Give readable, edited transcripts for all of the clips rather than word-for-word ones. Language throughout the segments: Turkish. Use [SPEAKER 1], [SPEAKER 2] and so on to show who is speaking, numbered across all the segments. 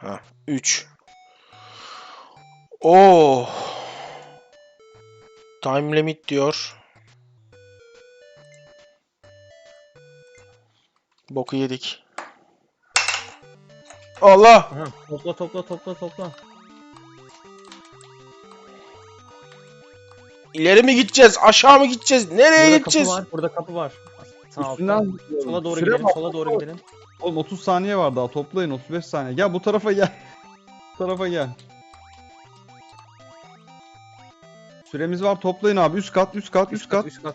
[SPEAKER 1] Ha, 3. Oo. Time limit diyor. Boku yedik. Allah!
[SPEAKER 2] Aha, topla.
[SPEAKER 1] İleri mi gideceğiz? Aşağı mı gideceğiz? Nereye
[SPEAKER 2] Burada
[SPEAKER 1] gideceğiz?
[SPEAKER 2] kapı var, burada kapı var. Sağ
[SPEAKER 3] Üstünden
[SPEAKER 2] altta.
[SPEAKER 3] zıplıyorum.
[SPEAKER 2] Sola doğru
[SPEAKER 3] Süre
[SPEAKER 2] gidelim,
[SPEAKER 3] var.
[SPEAKER 2] sola doğru gidelim.
[SPEAKER 3] Oğlum 30 saniye var daha, toplayın 35 saniye. Gel bu tarafa gel. Bu tarafa gel. Süremiz var, toplayın abi. Üst kat.
[SPEAKER 2] Üst kat.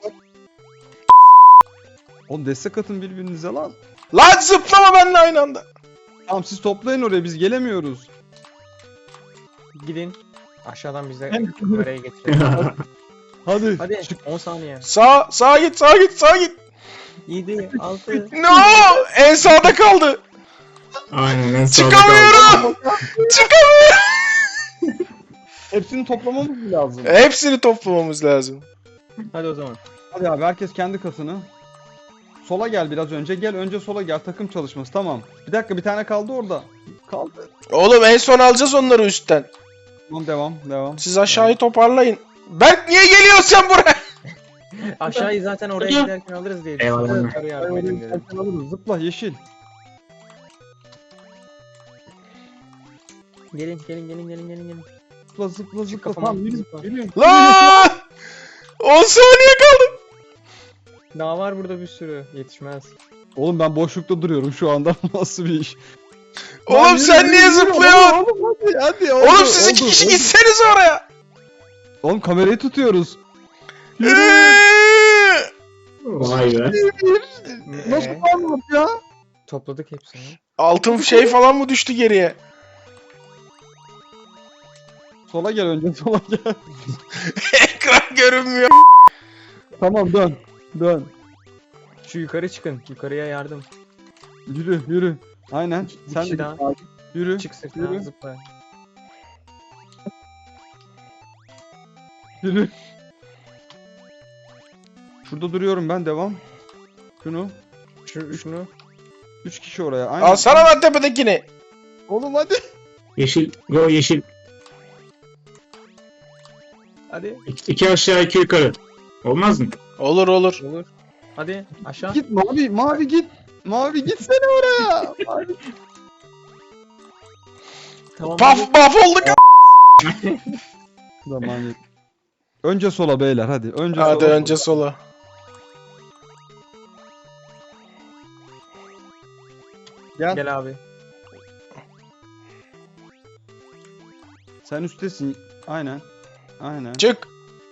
[SPEAKER 3] Oğlum destek atın birbirinize lan.
[SPEAKER 1] Lan zıplama benimle aynı anda.
[SPEAKER 3] Tamam siz toplayın oraya, biz gelemiyoruz.
[SPEAKER 2] Gidin. Aşağıdan bize
[SPEAKER 3] Hem-
[SPEAKER 2] kamerayı getirelim.
[SPEAKER 3] Hadi.
[SPEAKER 2] Hadi
[SPEAKER 3] Çık.
[SPEAKER 2] 10 saniye.
[SPEAKER 1] Sağa git.
[SPEAKER 2] 7, 6.
[SPEAKER 1] No! En sağda kaldı.
[SPEAKER 4] Aynen en sağda kaldı.
[SPEAKER 1] Çıkamıyorum. Çıkamıyorum.
[SPEAKER 3] Hepsini toplamamız lazım.
[SPEAKER 1] Hepsini toplamamız lazım.
[SPEAKER 2] Hadi o zaman.
[SPEAKER 3] Hadi abi, herkes kendi katını. Sola gel biraz önce. Gel önce sola gel. Takım çalışması, tamam. Bir dakika, bir tane kaldı orada. Kaldı.
[SPEAKER 1] Oğlum en son alacağız onları üstten.
[SPEAKER 3] Tamam, devam.
[SPEAKER 1] Siz aşağıyı toparlayın. Berk niye geliyorsun sen buraya?
[SPEAKER 2] Aşağıyı zaten oraya giderken alırız diye
[SPEAKER 4] Eyvallah.
[SPEAKER 2] düşündüm. Yukarı yardım edin dedim.
[SPEAKER 3] Sen alırız. Zıpla yeşil.
[SPEAKER 2] Gelin.
[SPEAKER 3] Zıpla.
[SPEAKER 2] kafama,
[SPEAKER 3] Tamam, yürü.
[SPEAKER 2] zıpla.
[SPEAKER 1] Lan! 10 saniye kaldı.
[SPEAKER 2] Daha var burada bir sürü. Yetişmez.
[SPEAKER 3] Oğlum ben boşlukta duruyorum şu anda. Nasıl bir iş?
[SPEAKER 1] Oğlum
[SPEAKER 3] Lan
[SPEAKER 1] sen
[SPEAKER 3] yürü,
[SPEAKER 1] niye
[SPEAKER 3] yürü,
[SPEAKER 1] zıplıyorsun?
[SPEAKER 3] Oğlum hadi.
[SPEAKER 1] Oğlum siz iki kişi gitseniz oraya.
[SPEAKER 3] Oğlum kamerayı tutuyoruz. Yürü.
[SPEAKER 4] Vay be.
[SPEAKER 3] Nasıl
[SPEAKER 2] Ee,
[SPEAKER 3] anlat ya?
[SPEAKER 2] topladık hepsini.
[SPEAKER 1] Altın şey falan mı düştü geriye?
[SPEAKER 3] Sola gel önce, sola gel.
[SPEAKER 1] Ekran görünmüyor.
[SPEAKER 3] Tamam, dön.
[SPEAKER 2] Şu yukarı çıkın. Yukarıya yardım.
[SPEAKER 3] Yürü. Aynen.
[SPEAKER 2] Bir
[SPEAKER 3] Sen
[SPEAKER 2] kişi
[SPEAKER 3] de git
[SPEAKER 2] daha.
[SPEAKER 3] abi. Yürü.
[SPEAKER 2] Çık sırtına
[SPEAKER 3] Yürü.
[SPEAKER 2] zıpla.
[SPEAKER 3] Yürü. Şurada duruyorum ben, devam. Şunu.
[SPEAKER 2] Şunu.
[SPEAKER 3] 3 kişi oraya. Aynen.
[SPEAKER 1] Alsana lan tepedekini.
[SPEAKER 3] Oğlum hadi.
[SPEAKER 4] Yeşil. Go yeşil.
[SPEAKER 2] Hadi.
[SPEAKER 4] İki aşağı iki yukarı. Olmaz mı?
[SPEAKER 1] Olur.
[SPEAKER 2] Olur. Hadi aşağı.
[SPEAKER 3] Git mavi git. Mavi gitsene oraya. Mavi.
[SPEAKER 2] Tamam.
[SPEAKER 1] Paf olduk.
[SPEAKER 3] Zaman yok. Önce sola beyler, hadi. Önce
[SPEAKER 1] Hadi
[SPEAKER 3] sola.
[SPEAKER 1] önce sola.
[SPEAKER 3] Gel.
[SPEAKER 2] Gel abi.
[SPEAKER 3] Sen üsttesin. Aynen.
[SPEAKER 1] Çık.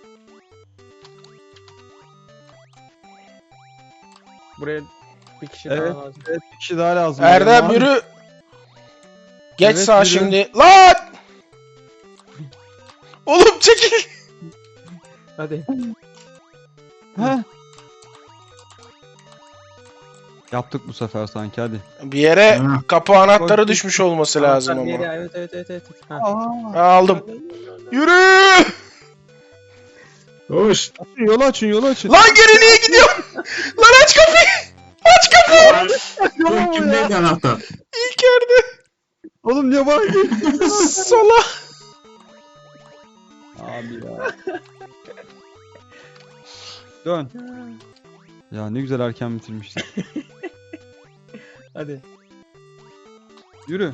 [SPEAKER 2] Buraya bir kişi
[SPEAKER 3] Evet.
[SPEAKER 2] daha lazım.
[SPEAKER 3] Evet, bir kişi daha lazım.
[SPEAKER 1] Erdem
[SPEAKER 3] Mavi.
[SPEAKER 1] yürü. Geç
[SPEAKER 3] Evet,
[SPEAKER 1] sağa
[SPEAKER 3] yürü.
[SPEAKER 1] şimdi. Lan! Oğlum çekil.
[SPEAKER 2] Hadi.
[SPEAKER 3] Heh. Yaptık bu sefer sanki, hadi.
[SPEAKER 1] Bir yere
[SPEAKER 4] Ha.
[SPEAKER 1] kapı anahtarı düşmüş olması lazım
[SPEAKER 2] Anahtar bir
[SPEAKER 1] ama.
[SPEAKER 2] yere, Evet. Ha.
[SPEAKER 3] Aa.
[SPEAKER 1] Aldım. Yürü!
[SPEAKER 4] Hoş.
[SPEAKER 3] Yolu açın.
[SPEAKER 1] Lan geri niye gidiyorsun? Lan aç kapıyı! Aç kapıyı!
[SPEAKER 4] Bu kimdeydi anahtar?
[SPEAKER 1] İlker'de.
[SPEAKER 3] Oğlum niye bana geliyorsun?
[SPEAKER 1] Sola.
[SPEAKER 3] Abi ya. Dön. Ya ne güzel erken bitirmiştik.
[SPEAKER 2] Hadi.
[SPEAKER 3] Yürü.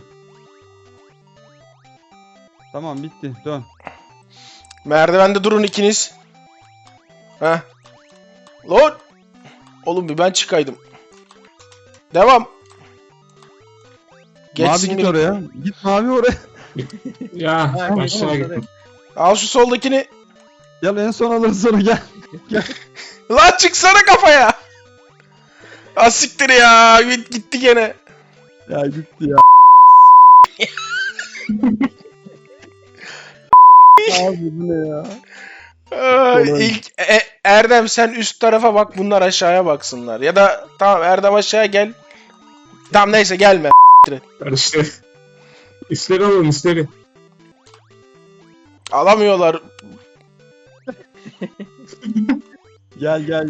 [SPEAKER 3] Tamam, bitti. Dön.
[SPEAKER 1] Merdivende durun ikiniz. Heh. Lan! Oğlum bir ben çıkaydım. Devam.
[SPEAKER 3] Mavi
[SPEAKER 1] Geçsin
[SPEAKER 3] git
[SPEAKER 1] biri.
[SPEAKER 3] oraya. Git mavi oraya.
[SPEAKER 4] Ya
[SPEAKER 2] Ha,
[SPEAKER 4] aşağı
[SPEAKER 2] hadi.
[SPEAKER 4] gittim.
[SPEAKER 1] Al şu soldakini.
[SPEAKER 3] Gel en son alırız sonra, gel.
[SPEAKER 1] Lan çıksana kafaya. Asiktir ya. Gitti gene.
[SPEAKER 3] Ya gitti ya. Abi bu ne ya?
[SPEAKER 1] İlk Erdem sen üst tarafa bak, bunlar aşağıya baksınlar. Ya da tamam Erdem aşağıya gel. Tamam neyse gelme.
[SPEAKER 4] Karıştı. Üstleri alın üstleri.
[SPEAKER 1] Alamıyorlar.
[SPEAKER 3] Gel.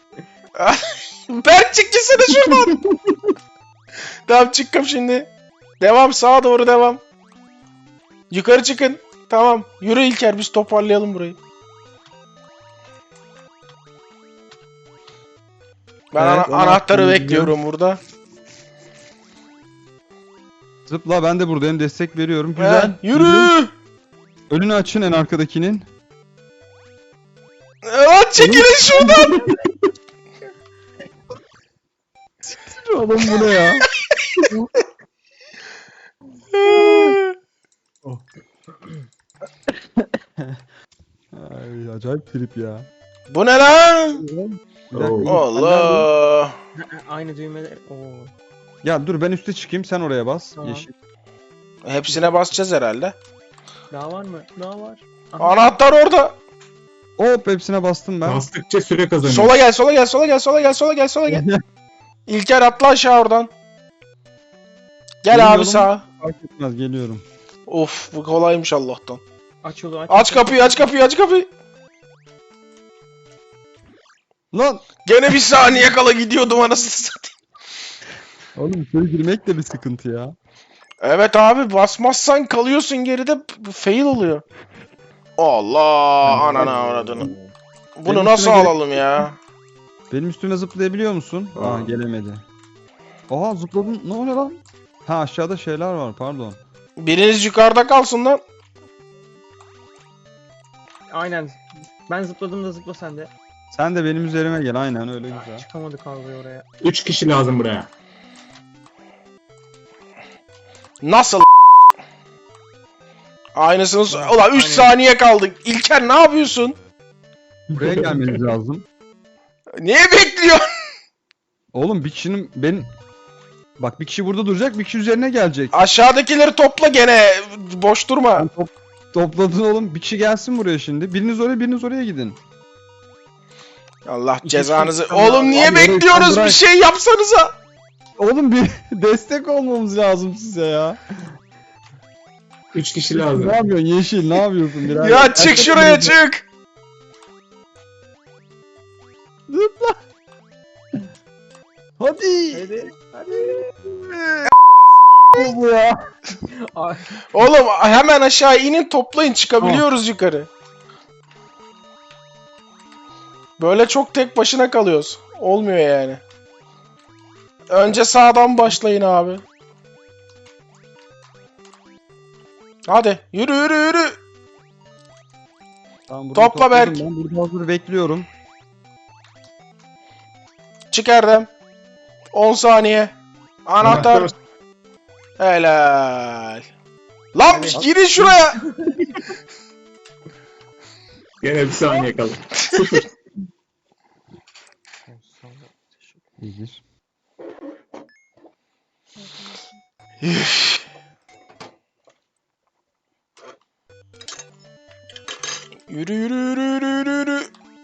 [SPEAKER 1] Berk çık gitsene şuradan. Tamam çıktım şimdi. Devam, sağa doğru devam. Yukarı çıkın. Tamam. Yürü İlker, biz toparlayalım burayı. Ben
[SPEAKER 3] Evet,
[SPEAKER 1] anahtarı
[SPEAKER 3] onu
[SPEAKER 1] bekliyorum burada.
[SPEAKER 3] Zıpla, ben de buradayım, destek veriyorum. Güzel.
[SPEAKER 1] Yürü.
[SPEAKER 3] Önünü açın en arkadakinin.
[SPEAKER 1] Evet, çekilin şuradan.
[SPEAKER 3] Oğlum bu ne ya? Ay, acayip trip ya.
[SPEAKER 1] Bu ne lan?
[SPEAKER 3] Bir dakika,
[SPEAKER 4] Oo.
[SPEAKER 1] Allah.
[SPEAKER 2] Aynı düğmeler. Oo.
[SPEAKER 3] Ya dur, ben üste çıkayım, sen oraya bas.
[SPEAKER 2] Tamam.
[SPEAKER 3] Yeşil.
[SPEAKER 1] Hepsine basacağız herhalde.
[SPEAKER 2] Daha var mı? Daha var. Aha.
[SPEAKER 1] Anahtar orada.
[SPEAKER 3] Hop, hepsine bastım ben.
[SPEAKER 4] Bastıkça süre kazanıyor.
[SPEAKER 1] Sola gel, sola gel, sola gel, sola gel, sola gel, sola gel. İlker atla aşağı oradan. Gel
[SPEAKER 3] Benim
[SPEAKER 1] abi
[SPEAKER 3] yolum-
[SPEAKER 1] sağa.
[SPEAKER 3] Fark etmez, geliyorum.
[SPEAKER 1] Of, bu kolaymış Allah'tan.
[SPEAKER 2] Aç yolu aç.
[SPEAKER 1] Aç kapıyı, aç kapıyı, aç kapıyı.
[SPEAKER 3] Lan!
[SPEAKER 1] Gene bir saniye kala gidiyordum anasını satayım.
[SPEAKER 3] Oğlum içeri girmek de bir sıkıntı ya.
[SPEAKER 1] Evet abi, basmazsan kalıyorsun geride, fail oluyor. Allah, anana avradını. Bunu
[SPEAKER 3] Benim
[SPEAKER 1] nasıl
[SPEAKER 3] üstüme gerek-
[SPEAKER 1] alalım ya?
[SPEAKER 3] Benim üstüme zıplayabiliyor musun? Aa, gelemedi. Oha, zıpladın. Ne oluyor lan? Ha, aşağıda şeyler var, pardon.
[SPEAKER 1] Biriniz yukarıda kalsın lan.
[SPEAKER 2] Aynen. Ben zıpladığımda zıpla sen de.
[SPEAKER 3] Sen de benim üzerime gel, aynen öyle güzel.
[SPEAKER 2] Çıkamadık abi oraya.
[SPEAKER 4] 3 kişi lazım buraya.
[SPEAKER 1] Nasıl? Aynısını... Ulan 3 saniye kaldık. İlker ne yapıyorsun?
[SPEAKER 3] Buraya gelmeniz lazım.
[SPEAKER 1] Niye bekliyorsun?
[SPEAKER 3] Oğlum bir kişinin Bak, bir kişi burada duracak, bir kişi üzerine gelecek.
[SPEAKER 1] Aşağıdakileri topla gene. Boş durma.
[SPEAKER 3] Sen topladın oğlum. Bir kişi gelsin buraya şimdi. Biriniz oraya, biriniz oraya gidin.
[SPEAKER 1] Allah cezanızı.
[SPEAKER 2] kişi-
[SPEAKER 1] Oğlum niye
[SPEAKER 3] Abi, orayı
[SPEAKER 1] bekliyoruz?
[SPEAKER 3] bırak.
[SPEAKER 1] Bir şey yapsanıza.
[SPEAKER 3] Oğlum bir destek olmamız lazım size ya.
[SPEAKER 4] 3 kişi lazım.
[SPEAKER 3] Ne yapıyorsun Yeşil? Ne yapıyorsun birader?
[SPEAKER 1] Ya çık şuraya, çık.
[SPEAKER 3] Zıpla. Hadi.
[SPEAKER 2] Hadi.
[SPEAKER 3] Bu ya.
[SPEAKER 2] Ay,
[SPEAKER 1] Oğlum hemen aşağı inin, toplayın, çıkabiliyoruz yukarı. Böyle çok tek başına kalıyoruz. Olmuyor yani. Önce sağdan başlayın abi. Hadi yürü yürü yürü.
[SPEAKER 3] Tamam, burayı
[SPEAKER 1] Topla
[SPEAKER 3] topladım.
[SPEAKER 1] Berk.
[SPEAKER 3] Ben burada hazır bekliyorum.
[SPEAKER 1] Çık Erdem. 10 saniye. Anahtar. Helal. Lan
[SPEAKER 2] Evet.
[SPEAKER 1] girin şuraya.
[SPEAKER 4] Gene bir saniye kaldı. 0.
[SPEAKER 3] İyidir.
[SPEAKER 1] Yürü yürü yürü yürü yürü yürü.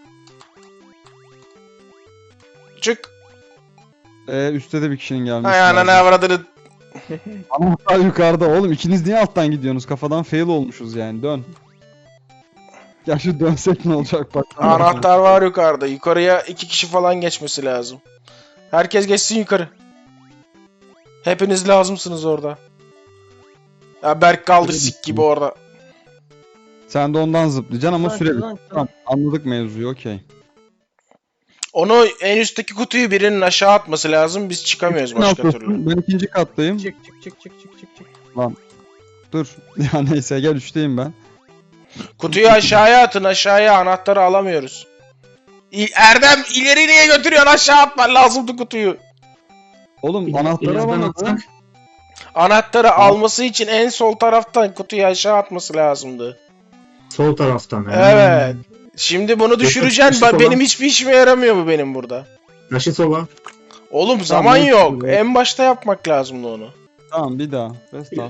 [SPEAKER 1] Çık.
[SPEAKER 3] Üstte de bir kişinin gelmesi
[SPEAKER 1] Hay ananı
[SPEAKER 3] lazım.
[SPEAKER 1] avradını.
[SPEAKER 3] Anahtar yukarıda. Oğlum ikiniz niye alttan gidiyorsunuz? Kafadan fail olmuşuz yani. Dön. Ya şu dönsek ne olacak bak.
[SPEAKER 1] Anahtar var yukarıda. Yukarıya 2 kişi falan geçmesi lazım. Herkes geçsin yukarı. Hepiniz lazımsınız orada. Ya Berk kaldı sik gibi orada.
[SPEAKER 3] Sen de ondan zıplayacaksın ama
[SPEAKER 2] Lan,
[SPEAKER 3] süre
[SPEAKER 2] lan,
[SPEAKER 3] Tamam, anladık mevzuyu, okey.
[SPEAKER 1] Onu en üstteki kutuyu birinin aşağı atması lazım. Biz çıkamıyoruz
[SPEAKER 3] Ne
[SPEAKER 1] başka
[SPEAKER 3] yapıyorsun?
[SPEAKER 1] türlü.
[SPEAKER 3] Ben ikinci kattayım.
[SPEAKER 2] çık çık çık çık çık çık çık.
[SPEAKER 3] Dur. Ya neyse, gel üçteyim ben.
[SPEAKER 1] Kutuyu aşağıya atın, aşağıya, anahtarı alamıyoruz. Erdem ileri niye götürüyorsun? Aşağı atman lazımdı kutuyu.
[SPEAKER 3] Oğlum anahtarı
[SPEAKER 4] Birazdan
[SPEAKER 3] alamadım.
[SPEAKER 4] atsak.
[SPEAKER 1] Anahtarı alması için en sol taraftan kutuyu aşağı atması lazımdı.
[SPEAKER 4] Sol taraftan.
[SPEAKER 1] Evet. Şimdi bunu düşüreceksin.
[SPEAKER 4] taşı
[SPEAKER 1] Benim
[SPEAKER 4] sola.
[SPEAKER 1] hiçbir işime yaramıyor bu benim burada.
[SPEAKER 4] Taşı sola.
[SPEAKER 1] Oğlum zaman
[SPEAKER 3] neyse,
[SPEAKER 1] yok.
[SPEAKER 3] evet.
[SPEAKER 1] En başta yapmak lazımdı onu.
[SPEAKER 3] Tamam, bir daha. Restart.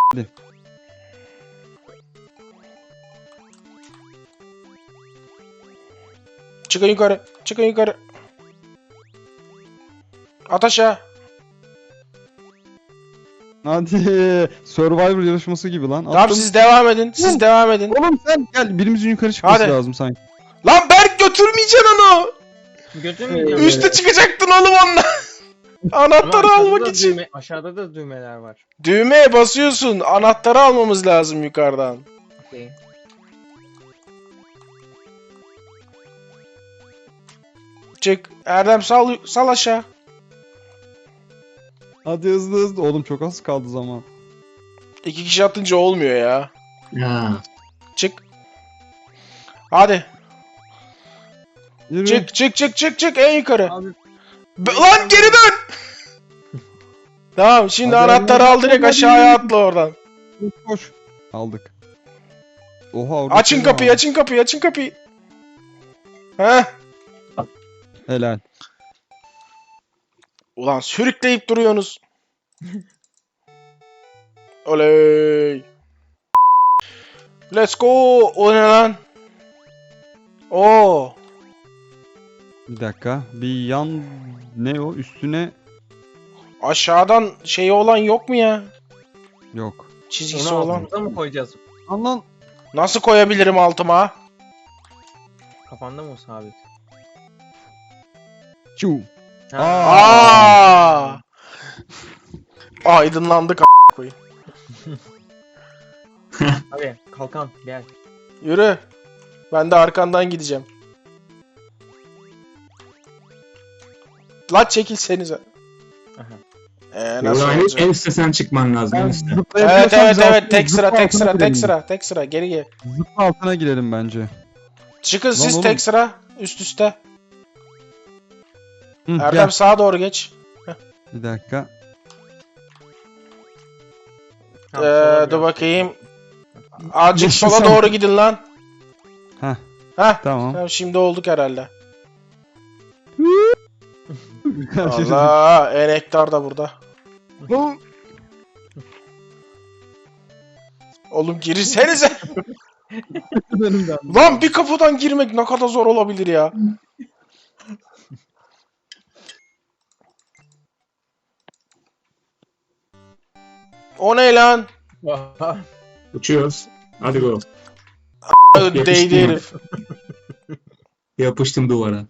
[SPEAKER 1] Çıkın yukarı. Çıkın yukarı. At aşağı.
[SPEAKER 3] Hadi. Survivor yarışması gibi lan.
[SPEAKER 1] Tamam
[SPEAKER 3] Attım.
[SPEAKER 1] siz devam edin. Siz
[SPEAKER 3] Oğlum.
[SPEAKER 1] devam edin.
[SPEAKER 3] Oğlum sen gel. Birimizin yukarı çıkması
[SPEAKER 1] Hadi.
[SPEAKER 3] lazım sanki.
[SPEAKER 1] Lan Berk götürmeyeceksin onu.
[SPEAKER 2] Götür mü gidiyorsun?
[SPEAKER 1] Üste çıkacaktın oğlum onunla. Anahtarı
[SPEAKER 2] Ama
[SPEAKER 1] almak
[SPEAKER 2] da
[SPEAKER 1] için.
[SPEAKER 2] aşağıda da düğmeler var.
[SPEAKER 1] Düğmeye basıyorsun. Anahtarı almamız lazım yukarıdan.
[SPEAKER 2] Okey.
[SPEAKER 1] Çık. Erdem sal aşağı.
[SPEAKER 3] Hadi hızlı hızlı. Oğlum çok az kaldı zaman.
[SPEAKER 1] 2 kişi atınca olmuyor ya.
[SPEAKER 4] Ya.
[SPEAKER 1] Çık. Hadi.
[SPEAKER 3] Yürü.
[SPEAKER 1] Çık en yukarı.
[SPEAKER 2] Abi
[SPEAKER 1] Lan geri dön. Tamam şimdi
[SPEAKER 3] Hadi,
[SPEAKER 1] anahtarı
[SPEAKER 3] hadi,
[SPEAKER 1] al direkt
[SPEAKER 3] hadi.
[SPEAKER 1] aşağıya atla oradan.
[SPEAKER 3] Koş. Aldık. Oha.
[SPEAKER 1] Açın
[SPEAKER 3] şey
[SPEAKER 1] kapıyı
[SPEAKER 3] var.
[SPEAKER 1] açın kapıyı. Heh.
[SPEAKER 3] Helal.
[SPEAKER 1] Ulan sürükleyip duruyorsunuz. Oley. Let's go. O ne lan? Oo.
[SPEAKER 3] Bir dakika. Bir yan ne o? Üstüne
[SPEAKER 1] Aşağıdan şeyi olan yok mu ya?
[SPEAKER 3] yok.
[SPEAKER 1] Çizgisi
[SPEAKER 2] onu
[SPEAKER 1] olan.
[SPEAKER 2] altımıza mı koyacağız?
[SPEAKER 3] Lan.
[SPEAKER 1] Nasıl koyabilirim altıma?
[SPEAKER 2] Kafanda mı o sabit?
[SPEAKER 3] Çu.
[SPEAKER 2] Ha.
[SPEAKER 1] Aa! Aydınlandık a**ına koyayım.
[SPEAKER 2] Abi kalkan gel.
[SPEAKER 1] Yürü. Ben de arkandan gideceğim. La çekilsenize.
[SPEAKER 2] Aha.
[SPEAKER 1] Nasıl
[SPEAKER 4] Yola
[SPEAKER 1] olacak?
[SPEAKER 4] en üstte sen çıkman lazım. En üstte.
[SPEAKER 1] Evet tek sıra geri gel.
[SPEAKER 3] Zıpla altına girelim bence.
[SPEAKER 1] Çıkın siz
[SPEAKER 3] oğlum.
[SPEAKER 1] tek sıra üst üste.
[SPEAKER 3] Hı,
[SPEAKER 1] Erdem
[SPEAKER 3] gel.
[SPEAKER 1] sağa doğru geç.
[SPEAKER 3] Bir dakika.
[SPEAKER 2] Tamam, sola
[SPEAKER 1] Dur
[SPEAKER 2] biraz.
[SPEAKER 1] bakayım. Azıcık
[SPEAKER 3] Geçti
[SPEAKER 1] sola
[SPEAKER 3] sen.
[SPEAKER 1] doğru gidin lan.
[SPEAKER 3] Heh.
[SPEAKER 1] Heh.
[SPEAKER 3] Tamam.
[SPEAKER 1] Tamam, şimdi olduk herhalde.
[SPEAKER 3] Şey
[SPEAKER 1] Allah, enektar da burada. Oğlum girsenize. Lan bir kapıdan girmek ne kadar zor olabilir ya. O ne lan?
[SPEAKER 4] Uçuyoruz. Hadi go.
[SPEAKER 1] Değdi herif.
[SPEAKER 4] Yapıştım duvara.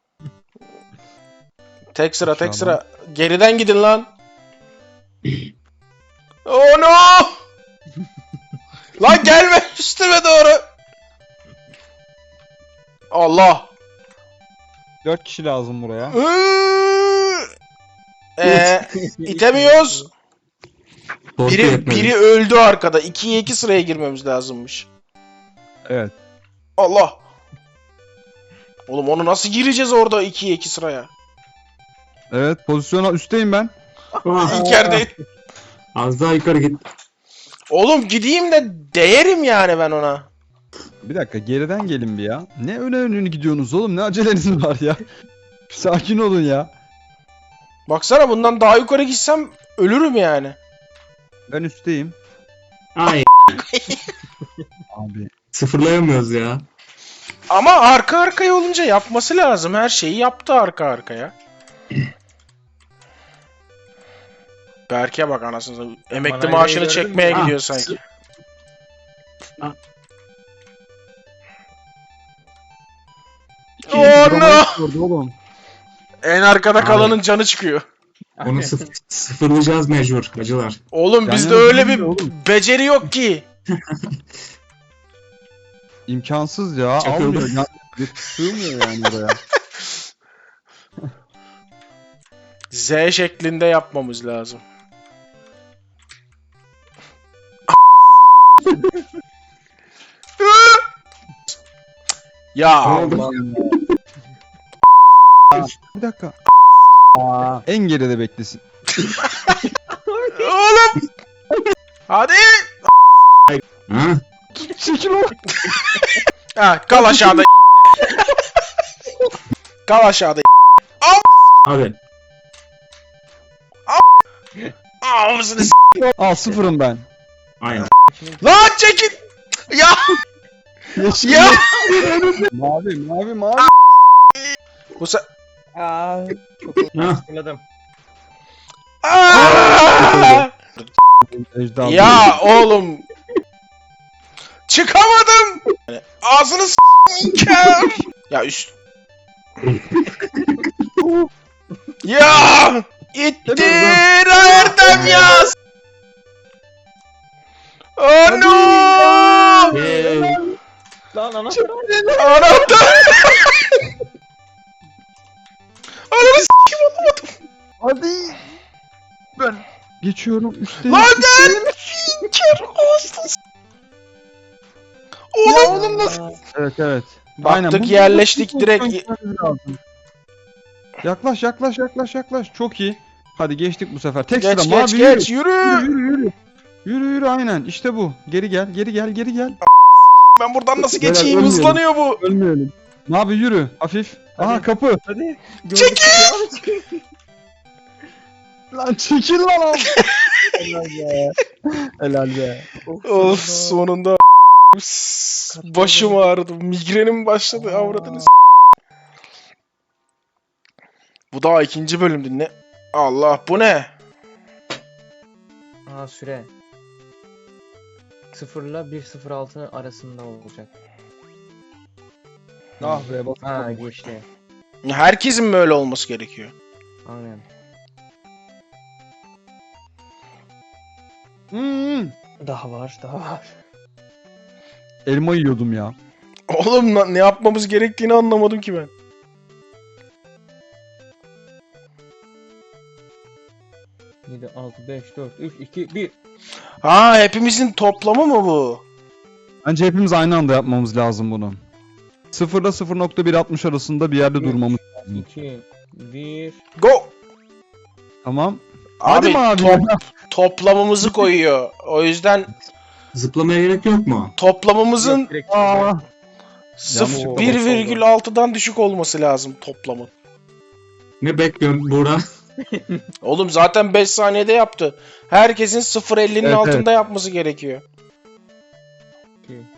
[SPEAKER 1] Tek sıra tek
[SPEAKER 3] Aşağıdan.
[SPEAKER 1] sıra. Geriden gidin lan. Oh no! Lan gelme üstüme doğru. Allah.
[SPEAKER 3] 4 kişi lazım buraya.
[SPEAKER 1] İtemiyoruz.
[SPEAKER 4] Tortu
[SPEAKER 1] Biri
[SPEAKER 4] yetmedi.
[SPEAKER 1] öldü arkada. 2'ye 2 sıraya girmemiz lazımmış.
[SPEAKER 3] Evet.
[SPEAKER 1] Allah. Oğlum onu nasıl gireceğiz orada 2'ye 2 sıraya?
[SPEAKER 3] Evet, pozisyona üstteyim ben.
[SPEAKER 4] Ah,
[SPEAKER 1] İlk yerdeyim.
[SPEAKER 4] az daha yukarı git.
[SPEAKER 1] Oğlum gideyim de değerim yani ben ona.
[SPEAKER 3] Bir dakika, geriden gelin bir ya. Ne öne gidiyorsunuz oğlum? Ne aceleniz var ya? Bir sakin olun ya.
[SPEAKER 1] Baksana bundan daha yukarı gitsem ölürüm yani.
[SPEAKER 3] Ben üstteyim.
[SPEAKER 4] Ay
[SPEAKER 3] Abi.
[SPEAKER 4] sıfırlayamıyoruz ya.
[SPEAKER 1] Ama arka arkaya olunca yapması lazım. Her şeyi yaptı arka arkaya. Berke bak anasını satayım. Emekli
[SPEAKER 2] Bana
[SPEAKER 1] maaşını
[SPEAKER 2] gördün mü?
[SPEAKER 1] çekmeye
[SPEAKER 4] Ah,
[SPEAKER 1] gidiyor sanki.
[SPEAKER 4] Ah.
[SPEAKER 1] Oh no!
[SPEAKER 3] Orada oğlum.
[SPEAKER 1] En arkada
[SPEAKER 4] Abi.
[SPEAKER 1] kalanın canı çıkıyor.
[SPEAKER 4] Onu sıfırlayacağız mecbur acılar.
[SPEAKER 1] Oğlum
[SPEAKER 3] Yani
[SPEAKER 1] bizde öyle bir
[SPEAKER 3] oğlum.
[SPEAKER 1] beceri yok ki.
[SPEAKER 3] İmkansız ya.
[SPEAKER 4] Çakıldı.
[SPEAKER 3] Almıyor. Ya, sığmıyor yani buraya.
[SPEAKER 1] Z şeklinde yapmamız lazım. Ya
[SPEAKER 3] Allah. Bir dakika. En geride beklesin.
[SPEAKER 1] oğlum. Hadi.
[SPEAKER 4] Ha?
[SPEAKER 3] Çekil o.
[SPEAKER 1] Ha, kal aşağıda. Kal aşağıda.
[SPEAKER 4] Hadi.
[SPEAKER 1] Ağzını s***.
[SPEAKER 3] Al sıfırım ben.
[SPEAKER 4] Aynen.
[SPEAKER 1] Lan çekil. Ya.
[SPEAKER 3] Yeşil.
[SPEAKER 1] Ya.
[SPEAKER 3] Mavi.
[SPEAKER 1] Bu se...
[SPEAKER 2] Aa, çok
[SPEAKER 4] Ha.
[SPEAKER 2] hatırladım.
[SPEAKER 1] Aa!
[SPEAKER 3] Ejder.
[SPEAKER 1] Ya oğlum. Çıkamadım. Ağzını s***ker. Ya üst. Ya. İttir Erdem yaz. Ano!
[SPEAKER 4] Hey.
[SPEAKER 2] Lan anahtar.
[SPEAKER 1] Anahtar. Ananı s**kim olamadım.
[SPEAKER 3] Hadi. Ben geçiyorum üstte.
[SPEAKER 1] Lan gel. Finker olsun. Oğlum.
[SPEAKER 3] Evet evet.
[SPEAKER 1] Baktık,
[SPEAKER 3] Bu-
[SPEAKER 1] yerleştik
[SPEAKER 3] bu-
[SPEAKER 1] direkt.
[SPEAKER 3] lazım. Yaklaş. Çok iyi. Hadi geçtik bu sefer. Tek
[SPEAKER 1] Geç
[SPEAKER 3] sıra
[SPEAKER 1] geç
[SPEAKER 3] mavi
[SPEAKER 1] geç
[SPEAKER 3] yürü.
[SPEAKER 1] yürü.
[SPEAKER 3] Yürü aynen. İşte bu. Geri gel.
[SPEAKER 1] Ben buradan nasıl
[SPEAKER 3] Beyler,
[SPEAKER 1] geçeyim?
[SPEAKER 3] ölmeyelim.
[SPEAKER 1] Hızlanıyor bu.
[SPEAKER 3] Ölmeyelim. Mavi yürü. Hafif. Aha
[SPEAKER 2] Hadi.
[SPEAKER 3] kapı.
[SPEAKER 2] Hadi.
[SPEAKER 1] Çekil!
[SPEAKER 3] Lan çekil lan abi. Helal be.
[SPEAKER 1] Of sonunda başım ağrıdı. Migrenim başladı. Avradınız. Bu daha ikinci bölümdü ne? Allah bu ne?
[SPEAKER 2] Aa süre. 0 ile 1.06 arasında olacak.
[SPEAKER 3] Ah be bak.
[SPEAKER 2] Ha geçti.
[SPEAKER 1] Herkesin mi öyle olması gerekiyor?
[SPEAKER 2] Aynen. Daha var.
[SPEAKER 3] Elma yiyordum ya.
[SPEAKER 1] Oğlum ne yapmamız gerektiğini anlamadım ki ben.
[SPEAKER 2] Yedi, 6, 5, 4, 3, 2, 1.
[SPEAKER 1] Ha hepimizin toplamı mı bu?
[SPEAKER 3] Bence hepimiz aynı anda yapmamız lazım bunu. 0 ile 0.160 arasında bir yerde durmamız lazım.
[SPEAKER 2] 2, 1.
[SPEAKER 1] Go!
[SPEAKER 3] Tamam.
[SPEAKER 1] Abi,
[SPEAKER 3] Hadi mi abi?
[SPEAKER 1] toplamımızı koyuyor. O yüzden
[SPEAKER 4] Zıplamaya gerek yok mu?
[SPEAKER 1] toplamımızın
[SPEAKER 3] Aa,
[SPEAKER 1] 1,6'dan düşük olması lazım toplamın.
[SPEAKER 4] Ne bekliyorsun Buğra?
[SPEAKER 1] Oğlum zaten 5 saniyede yaptı. Herkesin 0,50'nin
[SPEAKER 3] Evet,
[SPEAKER 1] altında yapması gerekiyor.
[SPEAKER 2] 2, 1.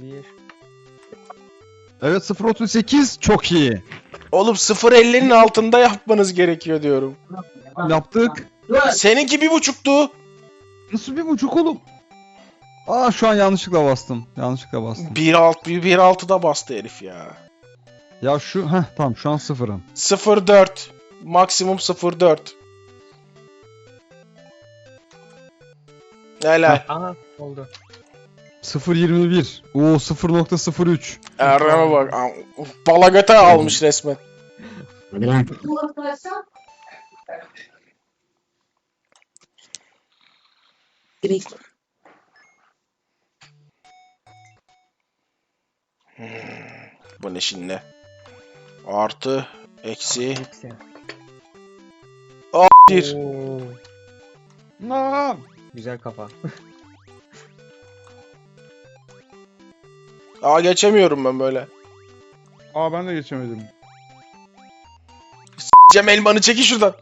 [SPEAKER 3] evet 0.38 çok iyi.
[SPEAKER 1] Oğlum 0,50'nin altında yapmanız gerekiyor diyorum.
[SPEAKER 3] Yaptık.
[SPEAKER 1] Seninki 1,5'tu.
[SPEAKER 3] Nasıl 1.5 oğlum? Aa şu an yanlışlıkla bastım.
[SPEAKER 1] 1,6'da bastı herif ya.
[SPEAKER 3] Ya şu tamam şu an sıfırım.
[SPEAKER 1] 0,4. Maksimum 0,4. Helal.
[SPEAKER 2] Aha oldu.
[SPEAKER 3] 0.21. Oo 0.03.
[SPEAKER 1] Erdem'e bak. Balagata almış resmen.
[SPEAKER 4] Hadi lan.
[SPEAKER 1] Bu ne şimdi? Artı, eksi,
[SPEAKER 2] Eksi.
[SPEAKER 1] bir.
[SPEAKER 2] Oo,
[SPEAKER 3] Aa,
[SPEAKER 2] güzel kafa.
[SPEAKER 1] Aa geçemiyorum ben böyle.
[SPEAKER 3] ben de geçemedim.
[SPEAKER 1] Cem elmanı çekin şuradan.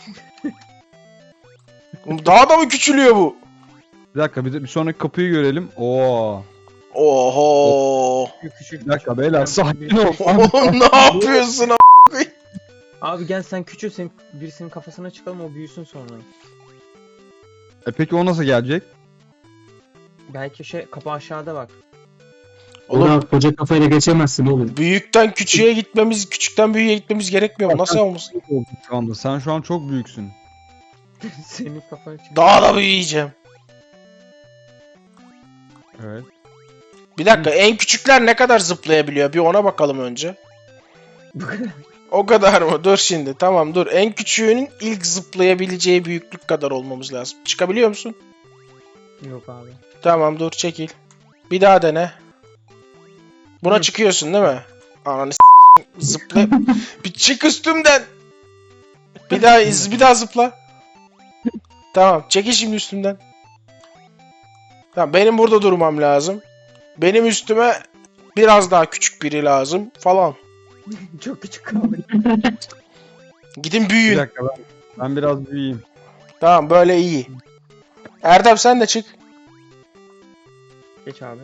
[SPEAKER 1] Oğlum daha da mı küçülüyor bu?
[SPEAKER 3] Bir dakika bir sonraki kapıyı görelim. Oo.
[SPEAKER 1] Oho.
[SPEAKER 2] Küçük.
[SPEAKER 3] Bir dakika beyler sakin ol.
[SPEAKER 1] Oğlum ne yapıyorsun a**?
[SPEAKER 2] Abi gel sen küçülsün. Birisinin kafasına çıkalım o büyüsün sonra.
[SPEAKER 3] Peki o nasıl gelecek?
[SPEAKER 2] Belki kapı aşağıda bak.
[SPEAKER 1] Oğlum
[SPEAKER 4] Buğra koca kafayla geçemezsin oğlum.
[SPEAKER 1] büyükten küçüğe gitmemiz, küçükten büyüğe gitmemiz gerekmiyor mu? Nasıl olmuş?
[SPEAKER 3] Şu anda sen şu an çok büyüksün.
[SPEAKER 2] Senin kafana çık.
[SPEAKER 1] Daha da büyüyeceğim.
[SPEAKER 3] Evet.
[SPEAKER 1] Bir dakika en küçükler ne kadar zıplayabiliyor? Bir ona bakalım önce.
[SPEAKER 2] Bu kadar.
[SPEAKER 1] O kadar mı? Dur şimdi. Tamam dur. En küçüğünün ilk zıplayabileceği büyüklük kadar olmamız lazım. Çıkabiliyor musun?
[SPEAKER 2] Yok abi.
[SPEAKER 1] Tamam dur çekil. Bir daha dene. Buna
[SPEAKER 2] Hı.
[SPEAKER 1] çıkıyorsun değil mi? Ananı zıpla. Bir çık üstümden. Bir daha zıpla. Tamam çekil şimdi üstümden. Tamam benim burada durmam lazım. Benim üstüme biraz daha küçük biri lazım falan.
[SPEAKER 2] Çok küçük kaldı.
[SPEAKER 1] Gidin
[SPEAKER 3] Bir
[SPEAKER 1] büyüyün.
[SPEAKER 3] dakika ben biraz büyüyeyim.
[SPEAKER 1] Tamam böyle iyi. Erdem sen de çık.
[SPEAKER 2] Geç abi.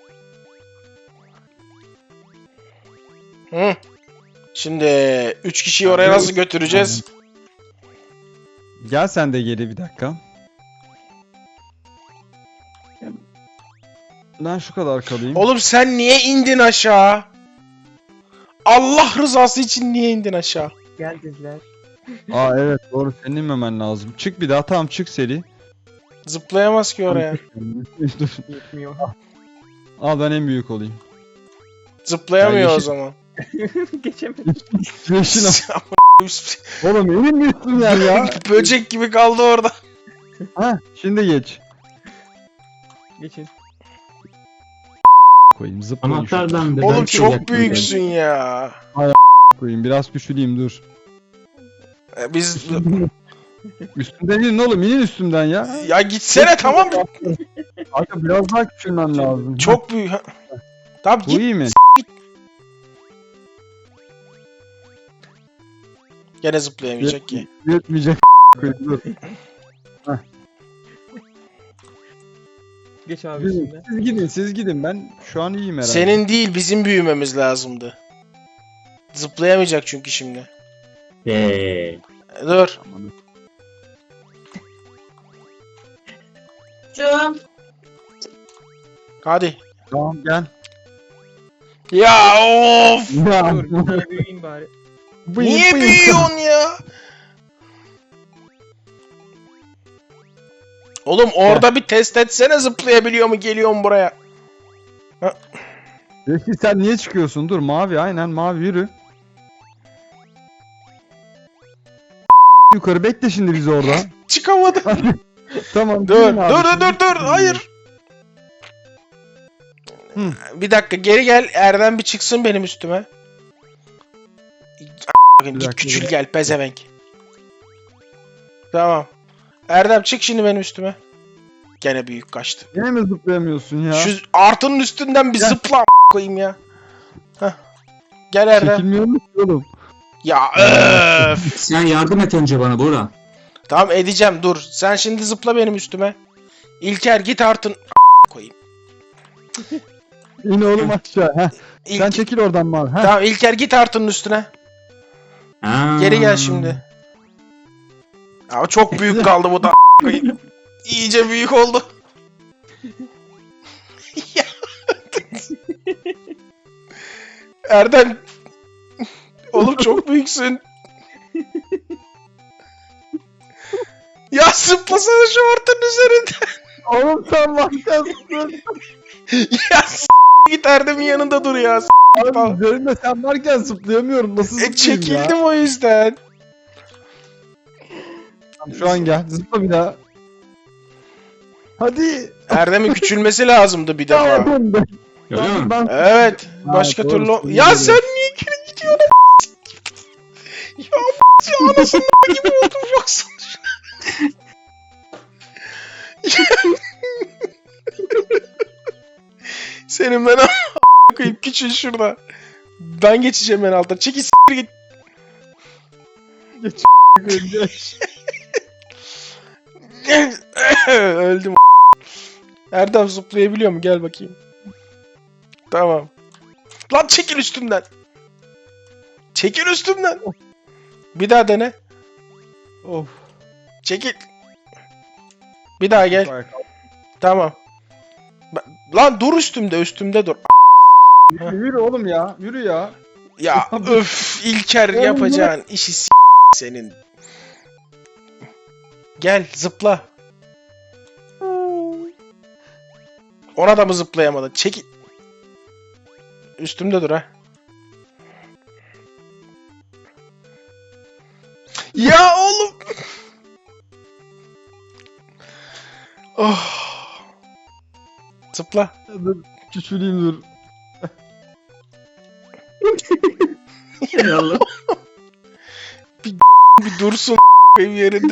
[SPEAKER 1] Hı. Şimdi 3 kişiyi oraya nasıl götüreceğiz?
[SPEAKER 3] Gel sen de geri bir dakika. Ben şu kadar kalayım.
[SPEAKER 1] Oğlum sen niye indin aşağı? Allah rızası için niye indin aşağı?
[SPEAKER 2] Gel dediler.
[SPEAKER 3] Aa evet doğru senin inmemen lazım. Çık bir daha tamam çık seri.
[SPEAKER 1] Zıplayamaz ki oraya.
[SPEAKER 3] Dur.
[SPEAKER 2] Yetmiyor.
[SPEAKER 3] Al ben en büyük olayım.
[SPEAKER 1] Zıplayamıyor
[SPEAKER 3] Ya
[SPEAKER 1] o
[SPEAKER 3] yeşil-
[SPEAKER 1] zaman.
[SPEAKER 2] Geçemedim.
[SPEAKER 3] Yeşil al. Oğlum emin misin ya?
[SPEAKER 1] Böcek gibi kaldı orada.
[SPEAKER 3] Ha şimdi geç.
[SPEAKER 2] Geçin.
[SPEAKER 3] Koyayım zıplayayım şu
[SPEAKER 4] Anahtardan da
[SPEAKER 1] Oğlum
[SPEAKER 4] ben şey
[SPEAKER 1] çok
[SPEAKER 4] yaptım
[SPEAKER 1] büyüksün ya.
[SPEAKER 3] koyayım. Biraz küçüleyim dur.
[SPEAKER 1] Biz
[SPEAKER 3] Üstümden inin oğlum inin üstümden ya.
[SPEAKER 1] ya gitsene tamam.
[SPEAKER 3] Kanka biraz daha küçülmem lazım.
[SPEAKER 1] Çok büyük. Tamam
[SPEAKER 3] Bu
[SPEAKER 1] git.
[SPEAKER 3] iyi mi?
[SPEAKER 1] Gene zıplayamayacak ki.
[SPEAKER 3] Yetmeyecek. Koyayım, dur.
[SPEAKER 2] Geç abi üstünden.
[SPEAKER 3] Siz gidin ben şu an iyiyim herhalde.
[SPEAKER 1] Senin değil bizim büyümemiz lazımdı. Zıplayamayacak çünkü şimdi. Dur.
[SPEAKER 3] Aman.
[SPEAKER 1] Hadi.
[SPEAKER 3] Tamam gel.
[SPEAKER 1] Ya of.
[SPEAKER 3] Ya.
[SPEAKER 2] Dur bir tane büyüyeyim bari.
[SPEAKER 1] Niye büyüyorsun ya? Oğlum orada bir test etsene zıplayabiliyor mu geliyor mu buraya?
[SPEAKER 3] Peki sen niye çıkıyorsun? Dur mavi aynen mavi yürü. Yukarı bekle şimdi bizi orada.
[SPEAKER 1] Çıkamadım.
[SPEAKER 3] Tamam.
[SPEAKER 1] Dur
[SPEAKER 3] gelin abi,
[SPEAKER 1] dur dur
[SPEAKER 3] şimdi
[SPEAKER 1] dur dur hayır.
[SPEAKER 3] Hı.
[SPEAKER 1] Bir dakika geri gel Erdem bir çıksın benim üstüme.
[SPEAKER 3] Bir
[SPEAKER 1] Git
[SPEAKER 3] dakika,
[SPEAKER 1] küçül
[SPEAKER 3] bir
[SPEAKER 1] gel pezevenk. Tamam. Erdem çık şimdi benim üstüme. Gene büyük kaçtı.
[SPEAKER 3] Yine mi zıplayamıyorsun ya?
[SPEAKER 1] Şu artının üstünden bir
[SPEAKER 3] Gel.
[SPEAKER 1] zıpla koyayım ya. Heh. Gel Erdem.
[SPEAKER 3] Çekilmiyor musun oğlum?
[SPEAKER 1] Ya öf.
[SPEAKER 4] Sen yardım et önce bana Buğra.
[SPEAKER 1] Tamam edeceğim dur. Sen şimdi zıpla benim üstüme. İlker git artın koyayım.
[SPEAKER 3] İn oğlum aşağı. Heh.
[SPEAKER 1] İlk...
[SPEAKER 3] Sen çekil oradan mavi. Heh.
[SPEAKER 1] Tamam İlker git artının üstüne.
[SPEAKER 4] Ha.
[SPEAKER 1] Geri gel şimdi. Ama çok büyük kaldı bu da koyayım. İyice büyük oldu. Ya. Erdem. Oğlum çok büyüksün. Ya zıplasana şu ortanın üzerinde.
[SPEAKER 3] Oğlum sen varken
[SPEAKER 1] Ya git Erdem'in yanında dur ya.
[SPEAKER 3] abi üzerinde sen varken zıplayamıyorum. Nasıl zıplayayım
[SPEAKER 1] Çekildim
[SPEAKER 3] ya?
[SPEAKER 1] o yüzden.
[SPEAKER 3] Tamam, şu an gel. Zıpla bir daha. Hadi.
[SPEAKER 1] Erdem'in küçülmesi lazımdı bir defa.
[SPEAKER 3] Tamam.
[SPEAKER 4] Öyle mi?
[SPEAKER 3] Ben...
[SPEAKER 1] Evet.
[SPEAKER 3] Ha,
[SPEAKER 1] Başka
[SPEAKER 3] doğru,
[SPEAKER 1] türlü...
[SPEAKER 3] doğru.
[SPEAKER 1] Ya sen niye geri gidiyorsun? Ya anasının gibi oldum baksana şuna. Senin ben a**ına koyayım küçül şurada. Ben geçeceğim en alta. Çekil s**tir git. Öldüm. Erdem zıplayabiliyor mu? Gel bakayım. Tamam. Lan çekil üstümden. Çekil üstümden. Bir daha dene.
[SPEAKER 3] Of.
[SPEAKER 1] Çekil. Bir daha gel. Tamam. Lan dur üstümde dur.
[SPEAKER 3] Yürü oğlum ya. Yürü ya.
[SPEAKER 1] Ya öf İlker
[SPEAKER 3] Oğlum,
[SPEAKER 1] yapacağın işi senin. Gel zıpla. Ona da mı zıplayamadın? Çekil. Üstümde dur ha. Ya oğlum. Oh. Zıpla.
[SPEAKER 3] Dur. Küçüleyim dur.
[SPEAKER 4] Hay Allah.
[SPEAKER 1] Bir dursun koyayım yerinde.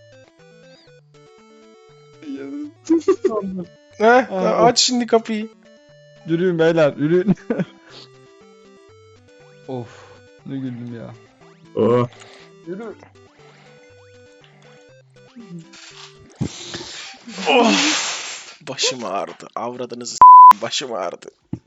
[SPEAKER 1] Ha,
[SPEAKER 3] Aa,
[SPEAKER 1] aç şimdi kapıyı.
[SPEAKER 3] Yürüyün beyler yürüyün. Of. Ne güldüm ya.
[SPEAKER 4] Oh.
[SPEAKER 3] Yürü.
[SPEAKER 1] Of. Başım ağrıdı. Avradınızı s**eyim, başım ağrıdı.